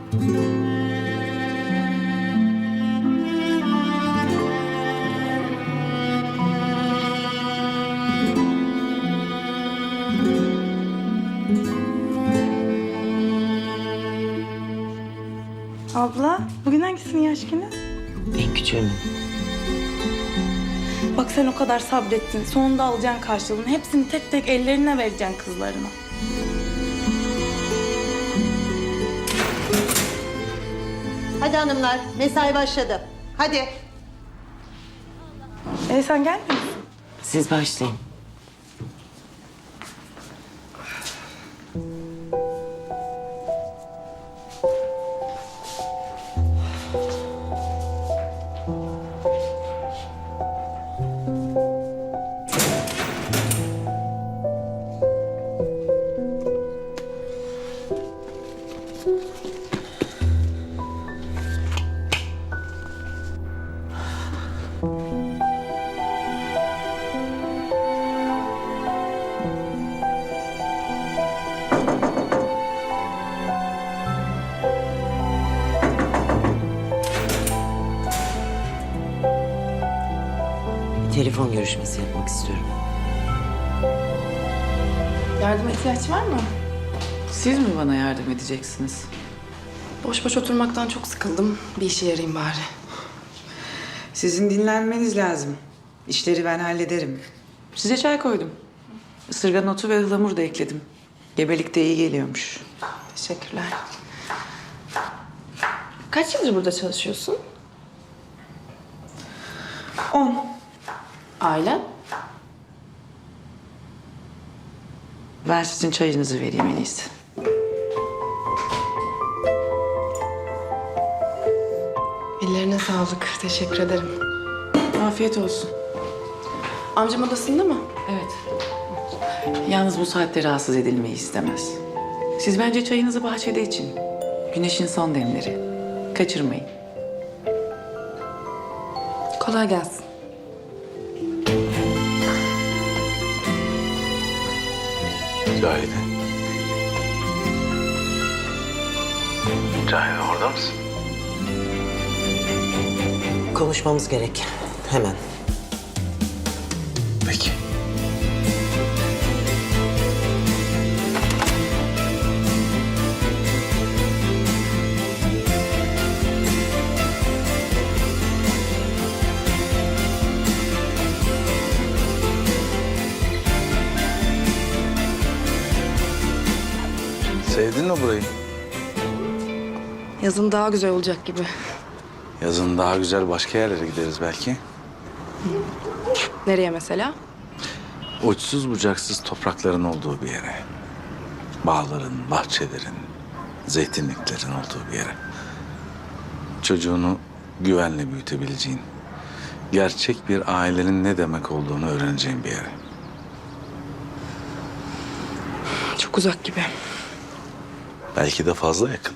Abla, bugün hangisinin yaş günü? En küçüğünün. Bak sen o kadar sabrettin. Sonunda alacaksın karşılığını. Hepsini tek tek ellerine vereceksin kızlarına. Hadi hanımlar, mesai başladı. Hadi. Sen gelmiyor musun? Siz başlayın. Telefon görüşmesi yapmak istiyorum. Yardıma ihtiyaç var mı? Siz mi bana yardım edeceksiniz? Boş boş oturmaktan çok sıkıldım. Bir işe yarayayım bari. Sizin dinlenmeniz lazım. İşleri ben hallederim. Size çay koydum. Isırgan otu ve ıhlamur da ekledim. Gebelikte iyi geliyormuş. Teşekkürler. Kaç yıldır burada çalışıyorsun? 10. Ailen? Ben sizin çayınızı vereyim en iyisi. Ellerine sağlık. Teşekkür ederim. Afiyet olsun. Amcam odasında mı? Evet. Yalnız bu saatte rahatsız edilmeyi istemez. Siz bence çayınızı bahçede için. Güneşin son demleri. Kaçırmayın. Kolay gelsin. Cahide. Cahide orada mısın? Konuşmamız gerek. Hemen. Peki. Sevdin mi burayı? Yazın daha güzel olacak gibi. Yazın daha güzel başka yerlere gideriz belki. Nereye mesela? Uçsuz bucaksız toprakların olduğu bir yere. Bağların, bahçelerin, zeytinliklerin olduğu bir yere. Çocuğunu güvenle büyütebileceğin, gerçek bir ailenin ne demek olduğunu öğreneceğin bir yere. Çok uzak gibi. Belki de fazla yakın.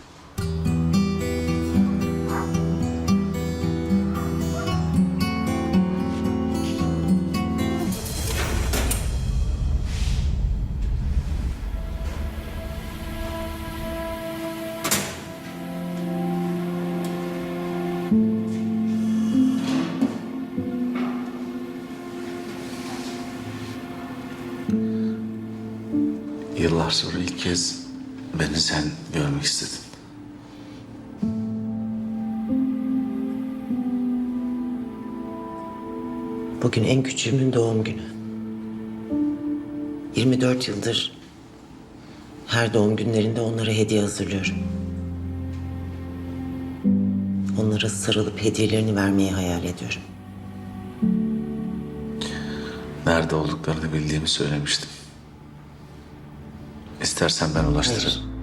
Yıllar sonra ilk kez beni sen görmek istedin. Bugün en küçüğümün doğum günü. 24 yıldır her doğum günlerinde onlara hediye hazırlıyorum. Onlara sarılıp hediyelerini vermeyi hayal ediyorum. Nerede olduklarını bildiğimi söylemiştim. İstersen ben ulaştırırım. Hayır.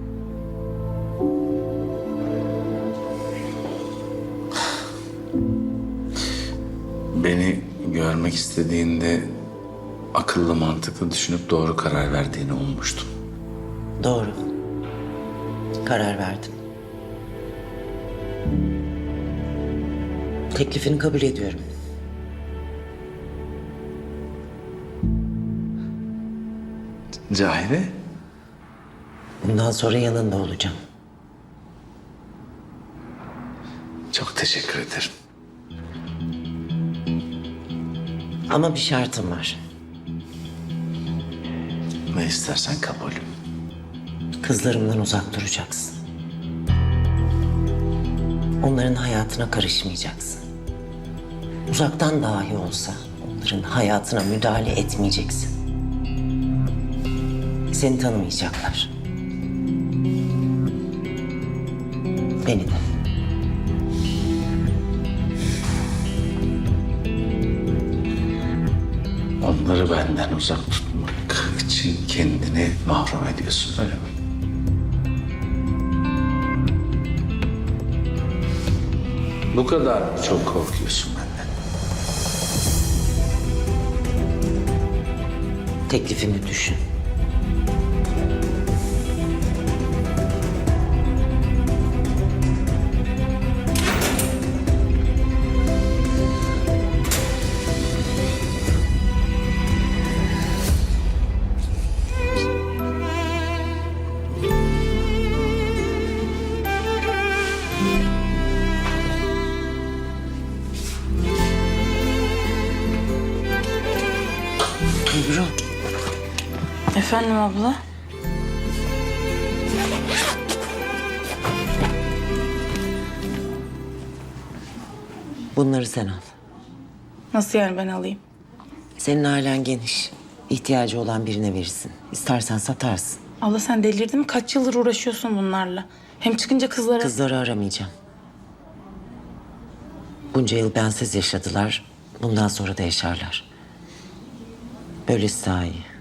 Beni görmek istediğinde akıllı mantıklı düşünüp doğru karar verdiğini ummuştum. Doğru. Karar verdim. Teklifini kabul ediyorum. Cahide, Bundan sonra yanında olacağım. Çok teşekkür ederim. Ama bir şartım var. Ne istersen kabulüm. Kızlarımdan uzak duracaksın. Onların hayatına karışmayacaksın. Uzaktan dahi olsa onların hayatına müdahale etmeyeceksin. Seni tanımayacaklar. Beni de. Onları benden uzak tutmak için kendini mahrum ediyorsun, öyle mi? Bu kadar mı çok korkuyorsun benden? Teklifimi düşün. Ebru, Efendim abla? bunları sen al. Nasıl yani ben alayım? Senin ailen geniş. İhtiyacı olan birine verirsin. İstersen satarsın. Abla sen delirdin mi? Kaç yıldır uğraşıyorsun bunlarla? Hem çıkınca kızlara... Kızları aramayacağım. Bunca yıl bensiz yaşadılar. Bundan sonra da yaşarlar. Böylesi daha iyi.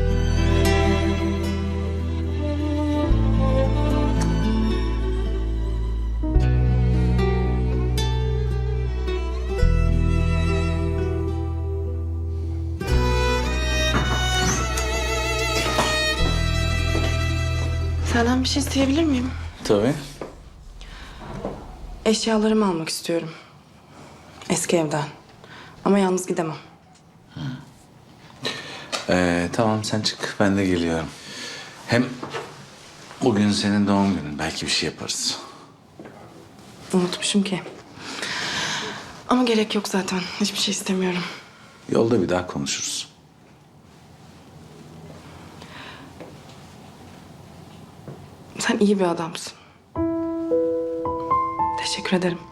Senden bir şey isteyebilir miyim? Tabii. Eşyalarımı almak istiyorum. Eski evden. Ama yalnız gidemem. Tamam sen çık, ben de geliyorum. Hem bugün senin doğum günün, belki bir şey yaparız. Unutmuşum ki. Ama gerek yok zaten. Hiçbir şey istemiyorum. Yolda bir daha konuşuruz. Sen iyi bir adamsın. Teşekkür ederim.